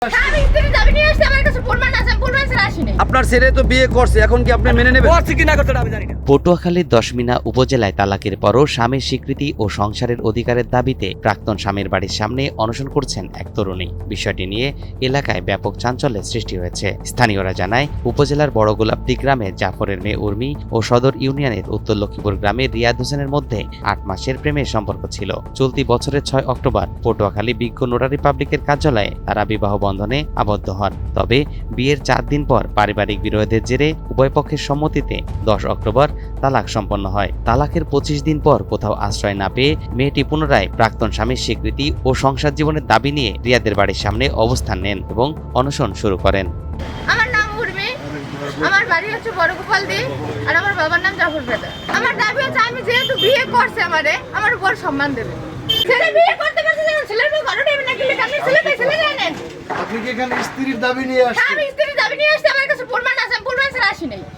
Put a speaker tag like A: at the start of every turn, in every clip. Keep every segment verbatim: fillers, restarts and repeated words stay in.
A: আপনার ছেলে তো বিয়ে করছে, এখন কি আপনি মেনে নেবেন?
B: পটুয়াখালীর দশমিনা উপজেলায় তালাকের পরও স্বামীর স্বীকৃতি ও সংসারের অধিকারের দাবিতে প্রাক্তন স্বামীর বাড়ির সামনে অনশন করছেন এক তরুণী। বিষয়টি নিয়ে এলাকায় ব্যাপক চাঞ্চল্যের সৃষ্টি হয়েছে। স্থানীয়রা জানায়, উপজেলার বড়গোলাপদি গ্রামে জাফরের মেয়ে উর্মি ও সদর ইউনিয়নের উত্তর লক্ষ্মীপুর গ্রামের রিয়াদ হোসেনের মধ্যে আট মাসের প্রেমের সম্পর্ক ছিল। চলতি বছরের ছয় অক্টোবর পটুয়াখালী বিজ্ঞ নোটারি পাবলিকের কার্যালয়ে তারা বিবাহ বন্ধনে আবদ্ধ হন। তবে বিয়ের চার দিন পর পারিবারিক বিরোধের জেরে উভয় পক্ষের সম্মতিতে দশ অক্টোবর তালাক সম্পন্ন হয়। তালাকের পঁচিশ দিন পর কোথাও আশ্রয় না পেয়ে মেয়েটি পুনরায় প্রাক্তন স্বামীর স্বীকৃতি ও সংসার জীবনের দাবি নিয়ে রিয়াদের বাড়ির সামনে অবস্থান নেন এবং অনশন শুরু করেন।
C: আমার নাম উর্মি, আমার বাড়ি হচ্ছে বড়গোপালদি, আর আমার বাবার নাম জাফর বেদা। আমার দাবি হচ্ছে, আমি যেহেতু বিয়ে করছে আমারে, আমার উপর সম্মান দেবে। ছেলে বিয়ে করতে পারছে না, ছেলের বউ ঘরে নেবে না, কিন্তু আপনি ছেলে পেয়ে ছেলে জানেন।
A: আপনি কি এখানে স্ত্রীর দাবি নিয়ে আসছেন?
C: আমি স্ত্রীর দাবি নিয়ে আসছি, আমার কাছে প্রমাণ আছে, আমি প্রমাণ ছাড়া আসি নাই।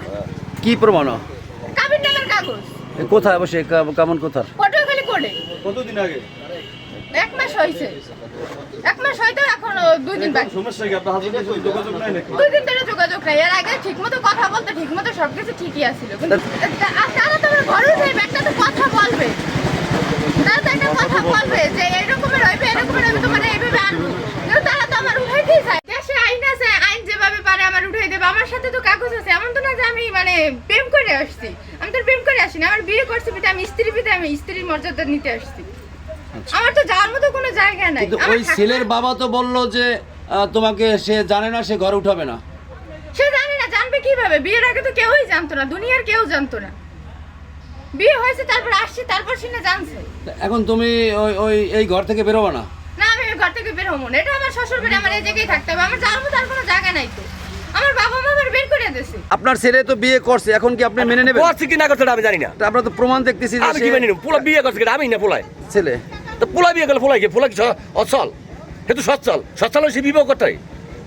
A: কি প্রমাণ?
C: কাবিন নামের কাগজ।
A: কোথায় বসে? কেমন কোথার?
C: পটুয়াখালী কোর্টে।
D: কতদিন আগে?
C: এক মাস হয়েছে, এক মাস হয়তো এখন দুই দিন বাকি।
D: সমস্যা কি? আপনার হাজবেন্ডের সাথে যোগাযোগ নাই নাকি?
C: দুই দিন ধরে যোগাযোগ নাই। এর আগে ঠিকমতো কথা বলতে, ঠিকমতো সবকিছু ঠিকই আছিল, কিন্তু তারা তো আমার ঘরে উঠে একটা তো কথা বলবে, তারা তো একটা কথা বলবে যে এরকমের হইবে, এরকমের হইবে, তোমার এইভাবে আনবো। কিন্তু তারা তো আমার উঠাইতেই চায়। দেশে আইন আছে, আইন যেভাবে পারে আমার উঠাই দেবে। আমার সাথে তো কাগজ আছে, এমন তো না যে আমি মানে প্রেম করে আসছি। আমি তো প্রেম করে আসিনি, আমার বিয়ে করছি বিধে আমি স্ত্রী বিধে আমি স্ত্রীর মর্যাদা নিতে আসছি। আমার তো যাওয়ার মতো কোনো জায়গা নাই।
A: কিন্তু ওই ছেলের বাবা তো বললো যে তোমাকে সে জানে না, সে ঘরে উঠাবে না।
C: সে জানে না, জানবে কিভাবে? বিয়ের আগে তো কেউই জানতো না, দুনিয়ার কেউ জানতো না। বিয়ে হয়েছে, তারপর আসছে, তারপর সে না জানছে।
A: এখন তুমি ওই ওই এই ঘর থেকে বেরোবে না?
C: না, আমি ওই ঘর থেকে বের হবো না। এটা আমার শ্বশুর বাড়ি, আমার এই জায়গায় থাকতে হবে। আমার যাওয়ার মতো আর কোনো জায়গা নাই তো। আমার বাবা মা আমার বের করে দিয়েছে।
A: আপনার ছেলে তো বিয়ে করছে, এখন কি আপনি মেনে নেবেন?
D: করছে কি না করছে আমি জানি না।
A: আমরা তো প্রমাণ দেখতেছি যে
D: আমি কি মেনে নেব? পোলা বিয়ে করছে কিনা আমি না পোলাই।
A: ছেলে
D: তো পোলা বিয়ে করলে পোলাই কি? পোলা কি অচল? সে তো সচ্ছল। সচ্ছল হলে সে বিবাহ করতে হয়।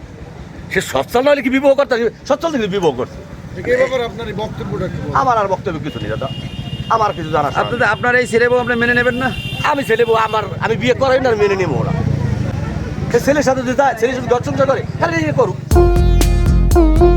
D: সে সচ্ছল না হলে কি বিবাহ করতে হয়? সচ্ছল থেকে বিবাহ করছে।
E: এই ব্যাপারে আপনার এই বক্তব্যটা কি?
D: আমার আর বক্তব্য কিছু নেই দাদা, আমার কিছু জানা।
A: আপনাদের আপনার এই ছেলে বউ আপনি মেনে নেবেন না?
D: আমি ছেলে বউ আমার, আমি বিয়ে করাই না, মেনে নেবো ওরা। সে ছেলের সাথে যদি যায়, ছেলের সাথে ঘর সংসার করে, তাহলে করুক।